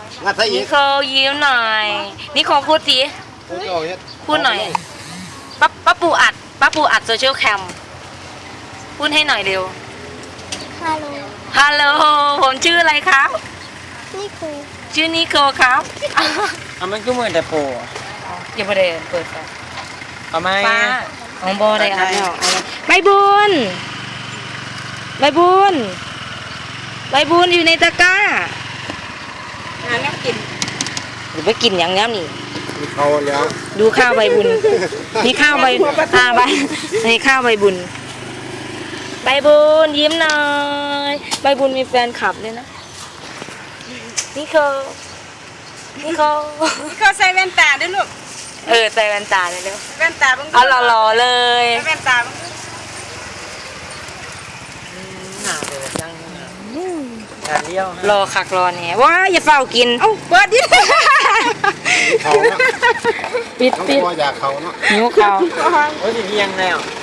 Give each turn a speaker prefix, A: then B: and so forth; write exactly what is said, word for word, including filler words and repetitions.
A: งัดใส่อี
B: นิ
A: ก
B: โคยิ้มหน่อยนิโคพูดสิ พูดหน่อยป้าป้าปูอัดป้าปูอัดโซเชียลแคมพูดให้หน่อยเร็ว
C: ฮัลโหล
B: ฮัลโหลผมชื่ออะไรครับ
C: นี่คือ
B: ชื่อนิโคครับ
D: อ่ะมันก็เหมือนแต่โปะ
B: อย่าไปเลยเปิดไฟ
D: เอาไหม
B: ป้าของบอได้อัดไม่ออกใบบุญใบบุญใบบุญอยู่ในตะกร้า
E: หาแล้วกิน
B: หรือไปกินอย่างนี้นี่
A: มีเขาแล้ว
B: ดูข้าวใบบุญนี่ข้าวใบอ่าใบนี่ข้าวใบบุญใบบุญยิ้มหน่อยใบบุญมีแฟนคลับด้วยนะนี่เขานี่เขา
E: นี่เขาใส่แว่นตาด้วยลูก
B: เออใส่แว่นตาเลยเร็ว
E: แว่นตาบ้าง
B: เอาหล่อๆเลย
E: แว่นตาบ้าง
D: หนาเลยจังหนาเลี้ยว
B: รอคักรอเนี่ยว้าอย่าเฝ้ากิน
E: เอ้าเปิดดิ
A: เขาเนาะ
B: ปิด
A: น้อง
B: ปิด
A: พ่ออยากเขาเนาะ
B: หิวข้าว
D: โอ้ยสิเพียงแล้ว